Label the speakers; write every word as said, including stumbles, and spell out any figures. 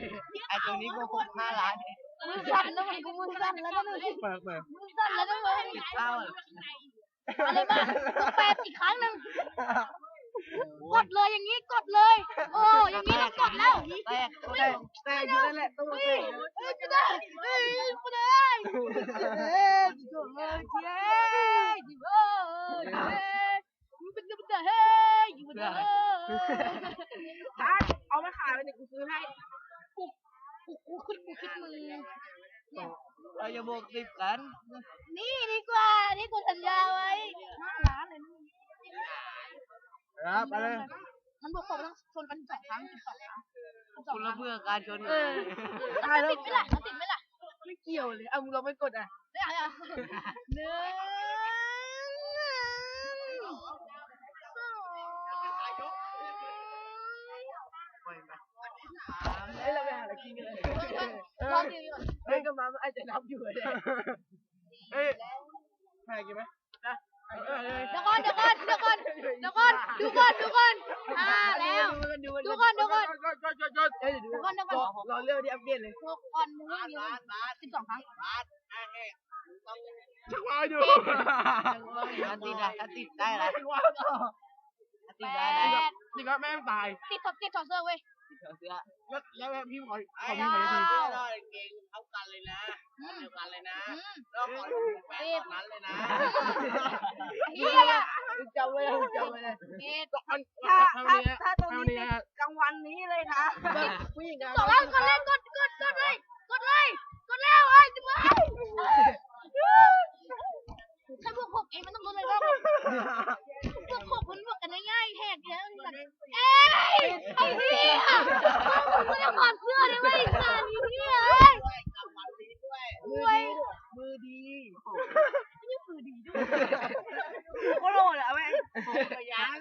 Speaker 1: ไอ้ตัวนี้โกหกห้าล้าน
Speaker 2: มือสั่นนะมันกูมือสั่นแล้วนะมึง
Speaker 3: เปิดเปิด
Speaker 2: มือสั่นแล้วนะมึง
Speaker 1: ติดเต้า
Speaker 2: อะไรบ้างต้องแปดอีกครั้งหนึ่งกดเลยอย่างนี้กดเลย โอ้อย่างนี้ต้องกดแล้ว
Speaker 1: แตก
Speaker 3: แต่แต่อยู่นั่นแหละตู้
Speaker 2: เฮ้
Speaker 3: เตะ
Speaker 2: ยจะได้เฮ้ยกูได้เฮ้ยจิ๋วเฮ้ยจิ๋วจิ๋วเฮ้ยมึงเป็นจะเป็นจะเฮ้ยอยู่เด้อ
Speaker 3: ถ้าเอามาขายไปเนี่ยกูซื้อให้
Speaker 2: กูกูคิดกูคิดมึง
Speaker 1: เราจะบวกสิบกัน
Speaker 2: นี่ดีกว่านี่กูสัญญาไว้ห้าล้านเลยนี่
Speaker 3: ครับไปเลย
Speaker 2: มันบอกผมต้องชนกันสองครั้งสองครั้ง
Speaker 1: คุณละเพื่อการชน
Speaker 3: เออ
Speaker 2: ตายแล้วติดไหมล่ะติดไหมล่ะ
Speaker 3: ไม่เกี่ยวเลยเอามึงลองไปกดอ่ะ
Speaker 2: ไม่เอาอ่ะหนึ่ง
Speaker 3: เฮ้ยเราไปหาอะไรกินกันเลย
Speaker 2: รอดีก่อน
Speaker 3: เฮ้ยก็มาไอ้ใจนับอยู่เลยเฮ้ยใครกินไหมนะเออเลย
Speaker 2: เดี๋ยวก่อนเดี๋ยวก่อนเดี๋ยวก่อนเดี๋ยวก่อนดูก่อนดูก่อนอ่าแล้วดูก่อนดูก่อน
Speaker 3: กดกดกดกดเฮ้ยเดี๋ยวดูรอเรื่องที่อัปเดตเลย
Speaker 2: ดูก่อนมึงเยอะสิบสองครั้ง
Speaker 3: ชักวาอยู่
Speaker 1: ถ้าติดอะถ้าติดได้ละ
Speaker 3: ชักวาต่อ
Speaker 1: ถ้าติดได้ละ
Speaker 3: นี่ก็แม่ตาย
Speaker 2: ติดถอดติดถอดเสื้อเว้ย
Speaker 1: เสื้อ
Speaker 3: แล้วแล้วพี่ขอข
Speaker 1: ไอ้
Speaker 3: อพี่
Speaker 1: ยา
Speaker 3: ขอที
Speaker 1: ได้เก่งเท่ากันเลยนะเดียวกันเลยนะ
Speaker 2: อืม
Speaker 1: แล้วขอแปดตอนนั้นเลยนะ
Speaker 2: เฮีย
Speaker 3: จำไว้เลยจำไว้เลย
Speaker 2: เอ็ด
Speaker 3: ถ้าถ้าถ้าตรงนี้กลางวันนี้เลยนะผู้หญิง
Speaker 2: สองแล้วกดเลยกดกดกดเลยกดเลยกดแล้วไอ้จิ๋วถ้าพวกผมเองมันต้องรู้เลยว่าพวกผมมันบวกกันง่ายๆแหกเยอะเอ้ยไอ้เหี้ยมึงไม่ได้ถอดเสื้อเลยเว้ยสารนี้เนี่ยเอ้ย
Speaker 3: มือดีมือดี
Speaker 2: นี่คือดีด้วย
Speaker 3: ก็โหลดอะแม่
Speaker 1: พยาน